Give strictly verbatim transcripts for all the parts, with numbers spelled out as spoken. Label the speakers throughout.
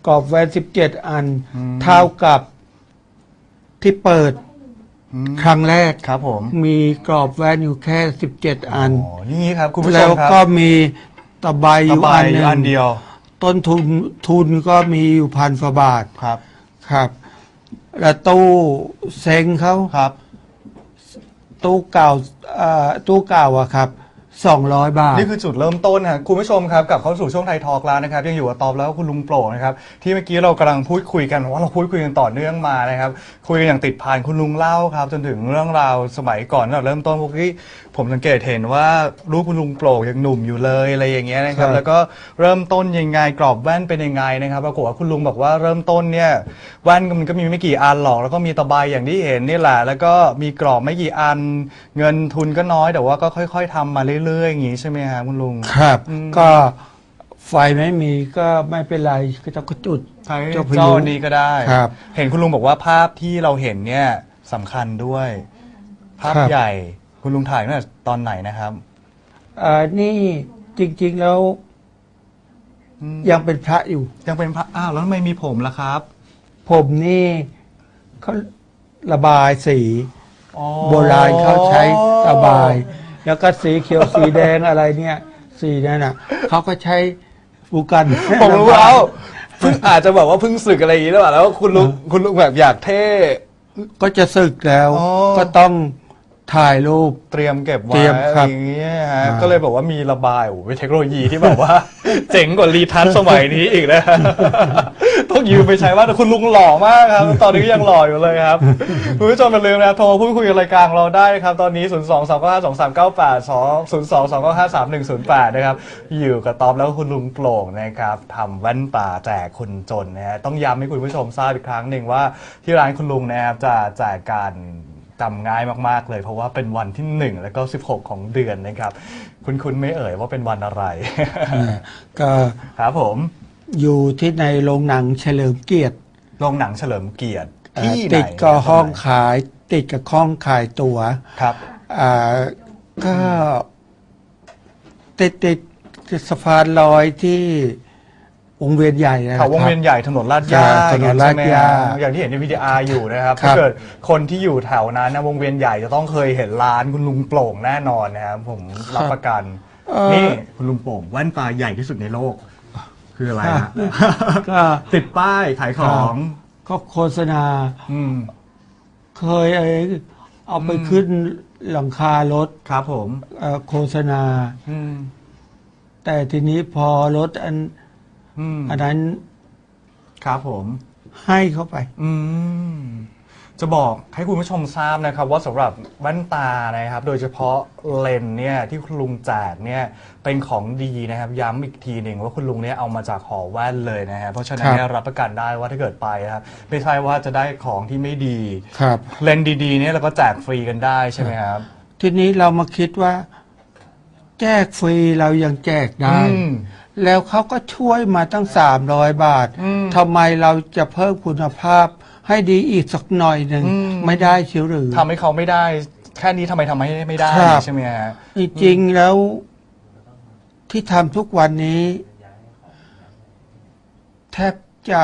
Speaker 1: กรอบแว่นสิบเจ็ดอันเท่ากับที่เปิดครั้งแรก
Speaker 2: ครับผม
Speaker 1: มีกรอบแว่นอยู่แค่สิบเจ็ดอัน
Speaker 2: อ๋อนี่ครับคุณผู้ชม
Speaker 1: แล้ว
Speaker 2: ครับ
Speaker 1: ก็มีตะไบอยู่อันหนึ่ง
Speaker 2: อันเดียว
Speaker 1: ต้นทุนทุนก็มีอยู่พันกว่าบาท
Speaker 2: ครับ
Speaker 1: ครับแล้วตู้เซ็งเขา
Speaker 2: ครับ
Speaker 1: ตู้เก่าตู้เก่าอะครับสองร้อยบาท
Speaker 2: นี่คือจุดเริ่มต้นนะคุณผู้ชมครับกลับเข้าสู่ช่วงไทยทอล์กแล้วนะครับยังอยู่กับตอบแล้วคุณลุงโปร่งนะครับที่เมื่อกี้เรากำลังพูดคุยกันว่าเราพูดคุยกันต่อเนื่องมานะครับคุยกันอย่างติดพันคุณลุงเล่าครับจนถึงเรื่องราวสมัยก่อนเราเริ่มต้นพวกที่ผมสังเกตเห็นว่ารูปคุณลุงโปร่งยังหนุ่มอยู่เลยอะไรอย่างเงี้ยนะครับแล้วก็เริ่มต้นยังไงกรอบแว่นเป็นยังไงนะครับปรากฏว่าคุณลุงบอกว่าเริ่มต้นเนี่ยแว่นมันก็มีไม่กี่อันหรอกแล้วก็มีตะไบอย่างที่เห็นนี่แหละแล้วก็มีกรอบไม่กี่อันเงินทุนก็น้อยแต่ว่าก็ค่อยๆทำมาเรื่อยๆอย่างงี้ใช่ไหมครับคุณลุง
Speaker 1: ครับก็ไฟไม่มีก็ไม่เป็นไรก็จะจุด
Speaker 2: ใช้เจ้านี้ก็ได้
Speaker 1: ครับ
Speaker 2: เห็นคุณลุงบอกว่าภาพที่เราเห็นเนี่ยสำคัญด้วยภาพใหญ่คุณลุงถ่ายตั้งแต่ตอนไหนนะครับ
Speaker 1: อ่านี่จริงๆแล้วยังเป็นพระอยู่
Speaker 2: ยังเป็นพระอ้าวแล้วทำไมมีผมล่ะครับ
Speaker 1: ผมนี่เขาระบายสีโบราณเขาใช้ระบายแล้วก็สีเขียวสีแดงอะไรเนี่ยสีนั่นน่ะเขาก็ใช้บูกัน
Speaker 2: ผมรู้แล้วเพิ่งอาจจะบอกว่าเพิ่งสึกอะไรอย่างนี้หรือเปล่าแล้วคุณลุงคุณลุงแบบอยากเท่
Speaker 1: ก็จะสึกแล้วก็ต้องถ่ายรูป
Speaker 2: เตรียมเก็บไว้อย่างเงี้ยฮะก็เลยบอกว่ามีระบายโอ้เป็นเทคโนโลยีที่แบบว่าเจ๋งกว่ารีทัชสมัยนี้อีกนะต้องยืมไปใช้ว่าแต่คุณลุงหล่อมากครับตอนนี้ยังหล่ออยู่เลยครับคุณผู้ชมอย่าลืมนะโทรพูดคุยกับรายการเราได้ครับตอนนี้ศูนย์ สอง สอง เก้า ห้า สอง สาม เก้า แปด ศูนย์ สอง สอง เก้า ห้า สาม หนึ่ง ศูนย์ แปดนะครับอยู่กับต๊อบแล้วคุณลุงโปร่งนะครับทำแว่นตาแจกคนจนนะฮะต้องย้ำให้คุณผู้ชมทราบอีกครั้งหนึ่งว่าที่ร้านคุณลุงนะครับจะแจกการจำง่ายมากๆเลยเพราะว่าเป็นวันที่หนึ่งแล้วก็สิบหกของเดือนนะครับคุณคุณไม่เอ่ยว่าเป็นวันอะไร
Speaker 1: ก็
Speaker 2: ครับผม
Speaker 1: อยู่ที่ในโรงหนังเฉลิมเกียรติ
Speaker 2: โรงหนังเฉลิมเกียรติที่
Speaker 1: ติดกับห้องขายติดกับห้องขายตั๋ว
Speaker 2: ครับ
Speaker 1: อ่าก็ติดติดสะพานลอยที่วงเวียนใหญ่นะครับ
Speaker 2: วงเวียนใหญ่ถนนลาดย่า
Speaker 1: ถนนลาดย่า
Speaker 2: อย่างที่เห็นในวิดีอาร์อยู่นะครับถ้าเกิดคนที่อยู่แถวนั้นนะวงเวียนใหญ่จะต้องเคยเห็นร้านคุณลุงโปร่งแน่นอนนะครับผมรับประกันนี่คุณลุงโปร่งแว่นตาใหญ่ที่สุดในโลกคืออะไรฮะก็ติดป้ายขายของ
Speaker 1: ก็โฆษณาเคยเอาไปขึ้นหลังคารถ
Speaker 2: ครับผม
Speaker 1: โฆษณาแต่ทีนี้พอรถอันอันนั้น
Speaker 2: ครับผม
Speaker 1: ให้เข้าไป
Speaker 2: อืมจะบอกให้คุณผู้ชมทราบนะครับว่าสำหรับแว่นตานะครับโดยเฉพาะเลนส์เนี่ยที่คุณลุงแจกเนี่ยเป็นของดีนะครับย้ำอีกทีหนึ่งว่าคุณลุงเนี่ยเอามาจากหอแว่นเลยนะฮะเพราะฉะนั้นเนี่ยรับประกันได้ว่าถ้าเกิดไปครับไม่ใช่ว่าจะได้ของที่ไม่ดี
Speaker 1: ครับ
Speaker 2: เลนส์ดีๆเนี่ยเราก็แจกฟรีกันได้ใช่ไหมครับ
Speaker 1: ทีนี้เรามาคิดว่าแจกฟรีเรายังแจกได้แล้วเขาก็ช่วยมาตั้งสามร้อยบาททำไมเราจะเพิ่มคุณภาพให้ดีอีกสักหน่อยหนึ่งไม่ได้เชียวหรือ
Speaker 2: ทำให้เขาไม่ได้แค่นี้ทำไมทำให้ไม่ได้ใช่ไหมฮะ
Speaker 1: จริงๆแล้วที่ทำทุกวันนี้แทบจะ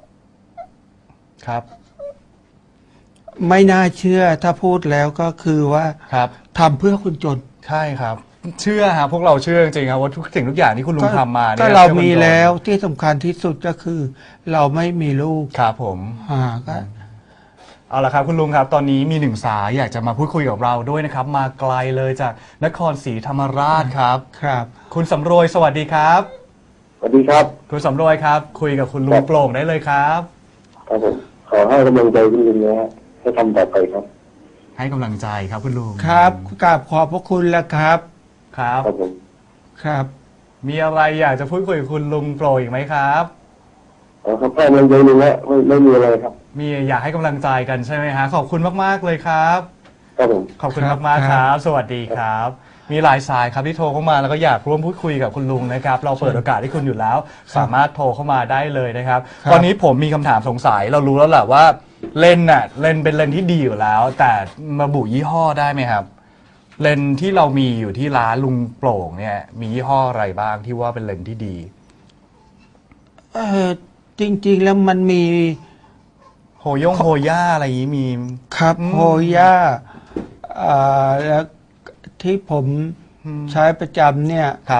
Speaker 2: ครับ
Speaker 1: ไม่น่าเชื่อถ้าพูดแล้วก็คือว่าทำเพื่อคนจน
Speaker 2: ใช่ครับเชื่อครับพวกเราเชื่อจริงๆครับว่าทุกสิ่งทุกอย่างที่คุณลุงทำมาเนี่ย
Speaker 1: ก็เรามีแล้วที่สำคัญที่สุดก็คือเราไม่มีลูก
Speaker 2: ครับผม
Speaker 1: อ่าก็
Speaker 2: เอาละครับคุณลุงครับตอนนี้มีหนึ่งสายอยากจะมาพูดคุยกับเราด้วยนะครับมาไกลเลยจากนครศรีธรรมราชครับ
Speaker 1: ครับ
Speaker 2: คุณสำรวยสวัสดีครับ
Speaker 3: สวัสดีครับ
Speaker 2: คุณสำรวยครับคุยกับคุณลุงโปร่งได้เลยครับ
Speaker 3: ครับผมขอให้กำลังใจคุณลุงนะฮะให้ทำต่อไปครับ
Speaker 2: ให้กำลังใจครับคุณลุง
Speaker 1: ครับกราบขอบพระคุณแล้วครับ
Speaker 2: ครับ
Speaker 3: ครับผม
Speaker 1: ครับ
Speaker 2: มีอะไรอยากจะพูดคุยกับคุณลุงโปร่งอีกไหมครับ
Speaker 3: อ๋อครับแค่กำลังใจลุงแล้วไม่ไม่มีอะไรครับ
Speaker 2: มีอยากให้กำลังใจกันใช่ไหมฮะขอบคุณมากๆเลยครับ
Speaker 3: ครับผม
Speaker 2: ขอบคุณมากๆครับสวัสดีครับมีหลายสายครับที่โทรเข้ามาแล้วก็อยากร่วมพูดคุยกับคุณลุงนะครับเราเปิดโอกาสให้คุณอยู่แล้วสามารถโทรเข้ามาได้เลยนะครับตอนนี้ผมมีคำถามสงสัยเรารู้แล้วแหละว่าเลนส์น่ะเลนส์เป็นเลนส์ที่ดีอยู่แล้วแต่มาบุยี่ห้อได้ไหมครับเลนส์ที่เรามีอยู่ที่ร้านลุงโปร่งเนี่ยมียี่ห้ออะไรบ้างที่ว่าเป็นเลนส์ที่ดี
Speaker 1: เออจจริงๆแล้วมันมี
Speaker 2: โฮย่งโฮย่าอะไรอย่างนี้มี
Speaker 1: ครับโฮย่าอ่าแล้วที่ผมใช้ประจำเนี่ย
Speaker 2: ครับ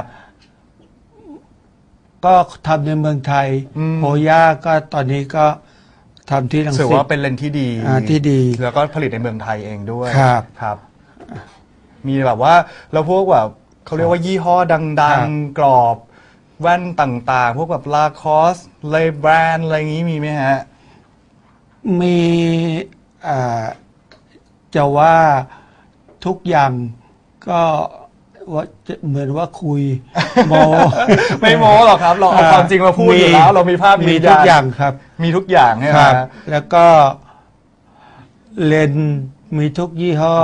Speaker 1: ก็ทำในเมืองไทย
Speaker 2: อืม
Speaker 1: โฮย่าก็ตอนนี้ก็ทำที่รัง
Speaker 2: ถือ
Speaker 1: สิต
Speaker 2: ว่าเป็นเลนส์ที่ดี
Speaker 1: อ่าที่ดี
Speaker 2: แล้วก็ผลิตในเมืองไทยเองด้วย
Speaker 1: ครับ
Speaker 2: ครับ มีแบบว่าแล้วพวกแบบเขาเรียกว่ายี่ห้อดั
Speaker 1: ครั
Speaker 2: ง
Speaker 1: บ
Speaker 2: ๆ กรอบแว่นต่างๆ พวกแบบลาคอสเลแบรนด์อะไรอย่างนี้มีไหมฮะ
Speaker 1: มีอ่าจะว่าทุกอย่างก็ว่าจะเหมือนว่าคุย โม
Speaker 2: ไม่โม้หรอกครับ เราเอาความจริงมาพูดอยู่แล้ว เรามีภาพ
Speaker 1: มี
Speaker 2: ยืน
Speaker 1: ทุ
Speaker 2: ยั
Speaker 1: ก
Speaker 2: น
Speaker 1: อย่างครับ
Speaker 2: มีทุกอย่างใช่ไห
Speaker 1: ค
Speaker 2: ม
Speaker 1: รับ
Speaker 2: ฮะ
Speaker 1: แล้วก็เลนส์มีทุกยี่ห้อ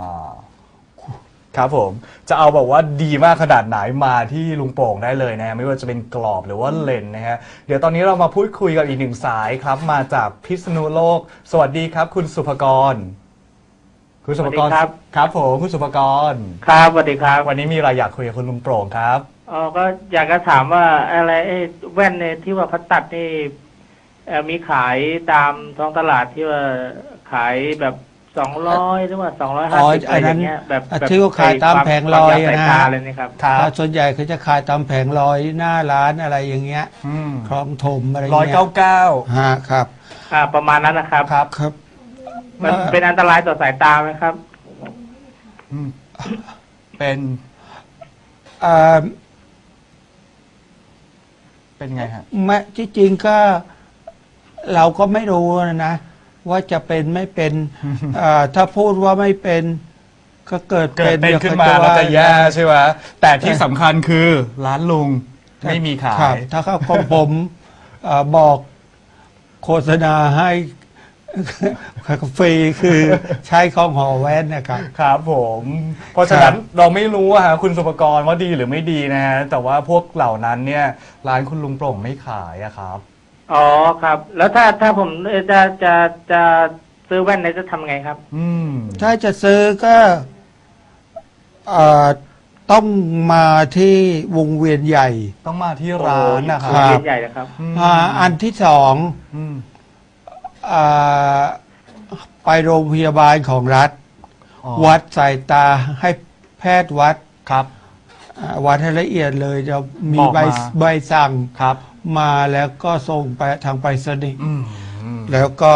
Speaker 2: ครับผมจะเอาแบบว่าดีมากขนาดไหนมาที่ลุงโป่งได้เลยนะไม่ว่าจะเป็นกรอบหรือว่าเลนส์นะฮะเดี๋ยวตอนนี้เรามาพูดคุยกับอีกหนึ่งสายครับ มาจากพิษณุโลกสวัสดีครับ คุณสุภกร คุณสุภกร
Speaker 4: สวัสดีครับ
Speaker 2: ครับผมคุณสุภกร
Speaker 4: ครับสวัสดีครับ
Speaker 2: วันนี้มีอะไรอยากคุยกับคุณลุงโป่งครับ
Speaker 4: อ๋อก็อยากจะถามว่าอะไรไอ้แว่นเนี่ยที่ว่าพัดตัดนี่เอ่อมีขายตามท้องตลาดที่ว่าขายแบบสองร้อยหรือว่าสองร้อยห้า
Speaker 1: อ๋อ
Speaker 4: สิบ
Speaker 1: อั
Speaker 4: อะไร
Speaker 1: นนั้
Speaker 4: อน ย่างเงี้ยแบบ
Speaker 1: อ่ะ
Speaker 4: แบบ
Speaker 1: ที่เขาขายตามแผงลอย
Speaker 4: ความ
Speaker 1: อะนะ
Speaker 4: สายตาอะไรนี่ครับ
Speaker 2: ครับ
Speaker 1: ส่วนใหญ่เขาจะขายตามแผงลอยหน้าร้านอะไรอย่างเงี้ย
Speaker 2: อืม
Speaker 1: คลองถมอะไร
Speaker 2: ร้อย
Speaker 1: เงี้ย
Speaker 2: เก้าเก้า
Speaker 1: ฮะครับ
Speaker 4: อ่าประมาณนั้นนะครับ
Speaker 2: ครับ
Speaker 1: ครับ
Speaker 4: มันเป็นอันตรายต่อสายตาไหมครับ
Speaker 2: อืมเป็น
Speaker 1: อ่า
Speaker 2: เป็นไงฮะ
Speaker 1: แม้ที่จริงก็เราก็ไม่รู้นะ ว่าจะเป็นไม่เป็นอ่าถ้าพูดว่าไม่เป็นก็เกิด
Speaker 2: เกิดเป็น
Speaker 1: ดี๋ยว
Speaker 2: ขึ้น
Speaker 1: ข
Speaker 2: มาเราจะแย่
Speaker 1: ว่
Speaker 2: ใช่ไหมแต่ที่สำคัญคือร้านลุงไม่มีขา
Speaker 1: ครับ
Speaker 2: ย
Speaker 1: ถ้าเขาของผมอ่าบอกโฆษณาให้ ฟรีคือใช้ของหอแว่นนะครับ
Speaker 2: ครับผม เพราะฉะนั้นเราไม่รู้อะฮะคุณสุภกรว่าดีหรือไม่ดีนะฮะแต่ว่าพวกเหล่านั้นเนี่ยร้านคุณลุงโปร่งไม่ขายอะครับ
Speaker 4: อ๋อครับ แล้วถ้าถ้าผมเอ่อจะจะจะซื้อแว่นเนี่ยจะทำไงครับ
Speaker 2: อืม
Speaker 1: ถ้าจะซื้อก็อ่าต้องมาที่วงเวียนใหญ่
Speaker 2: ต้องมาที่ร้านนะค
Speaker 4: โอ้
Speaker 2: รั
Speaker 4: โห
Speaker 2: บ
Speaker 4: เรียนใหญ่นะครับ
Speaker 2: อืม
Speaker 1: อ่าอันที่สอง
Speaker 2: อืม
Speaker 1: อ่าไปโรงพยาบาลของรัฐ
Speaker 2: อ๋อ
Speaker 1: วัดสายตาให้แพทย์วัด
Speaker 2: ครับ
Speaker 1: อ่าวัดให้ละเอียดเลยจะมี
Speaker 2: บอก
Speaker 1: ใบ
Speaker 2: มา
Speaker 1: ใบสั่ง
Speaker 2: ครับ
Speaker 1: มาแล้วก็ส่งไปทางไปรษณีย์
Speaker 2: อืมอืม
Speaker 1: แล้วก็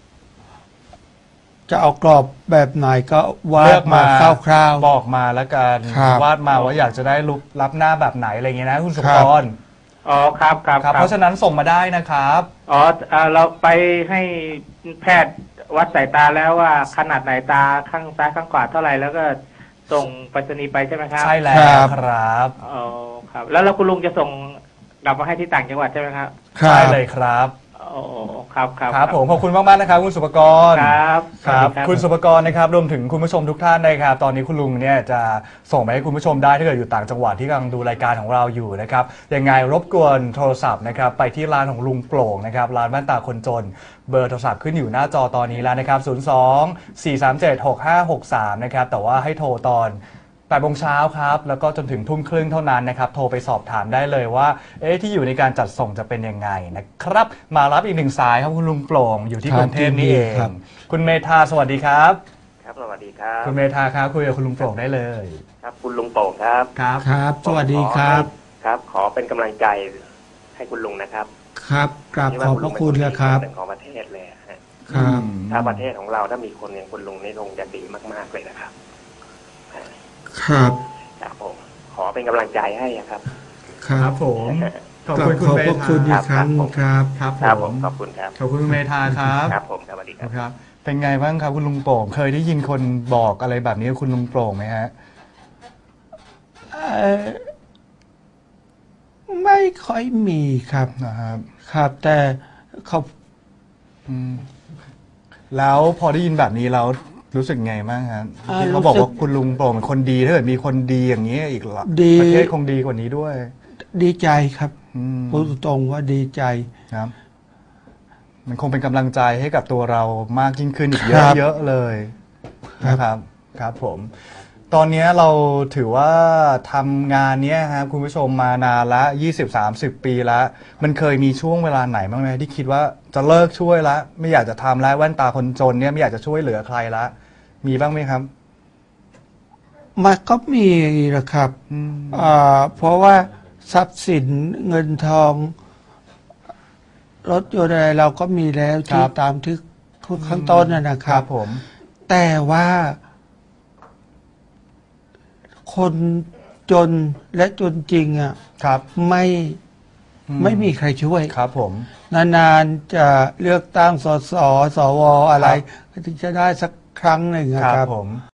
Speaker 1: จะเอากรอบแบบไหนก็วา
Speaker 2: เลื
Speaker 1: ด
Speaker 2: อก
Speaker 1: มา
Speaker 2: มา
Speaker 1: คร่าว
Speaker 2: บอกมาแล้วกัน
Speaker 1: ครับ
Speaker 2: วาดมาว่าอยากจะได้รูปรับหน้าแบบไหนอะไรอย่างเงี้ยนะคุณสุภ
Speaker 1: ครั
Speaker 2: ก
Speaker 1: บ
Speaker 2: ร
Speaker 4: อ๋อครับครับ
Speaker 2: ครับ เพราะฉะนั้นส่งมาได้นะครับ
Speaker 4: อ๋ออ่าเราไปให้แพทย์วัดสายตาแล้วว่าขนาดไหนตาข้างซ้ายข้างขวาเท่าไหร่แล้วก็ส่งไปรษณีย์ไปใช่ไหมครับ
Speaker 2: ใช่แล้ว
Speaker 1: ครับ
Speaker 2: ครับ
Speaker 4: อ๋อครับ แล้วแล้วคุณลุงจะส่งกลับมาให้ที่ต่างจังหวัดใช่ไหมครับ
Speaker 1: ๆ ครั
Speaker 2: ใช่
Speaker 1: บ
Speaker 2: เลยครับ
Speaker 4: อ๋อครับครับ
Speaker 2: ครับผมขอบคุณมาก ๆ นะครับ คุณสุภกร
Speaker 4: ครับ
Speaker 2: ครับ
Speaker 4: สวัสดี
Speaker 2: คุณสุภกรนะครับรวมถึงคุณผู้ชมทุกท่านนะครับ ตอนนี้คุณลุงเนี่ยจะส่งไปให้คุณผู้ชมได้ถ้าเกิดอยู่ต่างจังหวัดที่กำลังดูรายการของเราอยู่นะครับยังไงรบกวนโทรศัพท์นะครับไปที่ร้านของลุงโปร่งนะครับร้านแว่นตาคนจนเบอร์โทรศัพท์ขึ้นอยู่หน้าจอตอนนี้แล้วนะครับศูนย์ สอง สี่ สาม เจ็ด หก ห้า หก สามนะครับแต่ว่าให้โทรตอนแปดโมงเช้าครับแล้วก็จนถึงทุ่มครึ่งเท่านั้นนะครับโทรไปสอบถามได้เลยว่าเอ๊ะที่อยู่ในการจัดส่งจะเป็นยังไงนะครับมารับอีกหนึ่งสายครับคุณลุงโปร่งอยู่ที่
Speaker 1: ครับ
Speaker 2: กรุงเทพนี่เอง
Speaker 1: ครับ
Speaker 2: คุณเมธาสวัสดีครับ
Speaker 5: ครับสวัสดีครับ
Speaker 2: คุณเมธาครับคุยกับคุณลุงโปร่งได้เลย
Speaker 5: ครับคุณลุงโป่งครับ
Speaker 2: ครับ
Speaker 1: ครับ สวัสดีครับ
Speaker 5: ครับ ขอเป็นกำลังใจให้คุณลุงนะครับ
Speaker 1: ครับกราบขอบพระคุณนะครับ
Speaker 5: เป็นของประเทศเลยฮะ
Speaker 1: ครับ
Speaker 5: ถ้าประเทศของเราถ้ามีคนอย่างคุณลุงนี่คงจะดีมากๆเลยนะครับ
Speaker 1: ครับ
Speaker 5: ครับผมขอเป็นกำลังใจให้อะครับ
Speaker 1: ครั
Speaker 2: ครับ บผมขอบ
Speaker 1: กรา
Speaker 2: คุ
Speaker 1: บ
Speaker 2: ณคุ
Speaker 1: ข
Speaker 2: ณ
Speaker 1: อบ
Speaker 2: เม
Speaker 1: พระ
Speaker 2: ธา
Speaker 1: คุณอีกครั้งครับ
Speaker 2: ครับ
Speaker 5: ครับ
Speaker 2: ผ
Speaker 5: ผม มขอบคุณครับ
Speaker 2: ขอบคุณคุณเมธาครับ
Speaker 5: ครับผมสวัสดีครับ
Speaker 2: ครับ เป็นไงบ้างครับคุณลุงโปร่งเคยได้ยินคนบอกอะไรแบบนี้กับคุณลุงโปร่งไหมฮะ
Speaker 1: เอ่อไม่ค่อยมีครับ
Speaker 2: นะครับ
Speaker 1: ครับ แต่เขา
Speaker 2: อืมแล้วพอได้ยินแบบนี้แล้วรู้สึกไงบ้างครับ
Speaker 1: อ่า
Speaker 2: ที่เขาบอก
Speaker 1: รู้สึก
Speaker 2: ว่าคุณลุงโปร่งเป็นคนดีถ้าเกิดมีคนดีอย่างนี้อีกละ
Speaker 1: ดี
Speaker 2: ประเทศคงดีกว่านี้ด้วย
Speaker 1: ดีใจครับ
Speaker 2: อืม
Speaker 1: พูดตรงๆว่าดีใจ
Speaker 2: ครับ มันคงเป็นกำลังใจให้กับตัวเรามากยิ่งขึ้นอีกเย
Speaker 1: ครั
Speaker 2: อะ
Speaker 1: บ
Speaker 2: เยอะเลย
Speaker 1: ครับ
Speaker 2: นะครับ ครับผมตอนนี้เราถือว่าทำงานเนี้ยครับคุณผู้ชมมานานละยี่สิบ สามสิบ ปีแล้วมันเคยมีช่วงเวลาไหนบ้างไหมที่คิดว่าจะเลิกช่วยละไม่อยากจะทำแล้วแว่นตาคนจนเนี่ยไม่อยากจะช่วยเหลือใครละมีบ้างไหมครับ
Speaker 1: มันก็มีนะครับ
Speaker 2: อืม
Speaker 1: อ่าเพราะว่าทรัพย์สินเงินทองรถยนต์อะไรเราก็มีแล้วที่ตามที่ข้างต้นนะนะค
Speaker 2: ค
Speaker 1: รั
Speaker 2: รับ บผม
Speaker 1: แต่ว่าคนจนและจนจริงอ่ะ
Speaker 2: ครับ
Speaker 1: ไม่
Speaker 2: อืม
Speaker 1: ไม่มีใครช่วย
Speaker 2: ครับผม
Speaker 1: นานๆจะเลือกตั้งสสสวอะไร
Speaker 2: ครับ
Speaker 1: ถึงจะได้สักครั้งหนึ่งอะ
Speaker 2: ค
Speaker 1: ค
Speaker 2: รั
Speaker 1: รั
Speaker 2: บบ ผม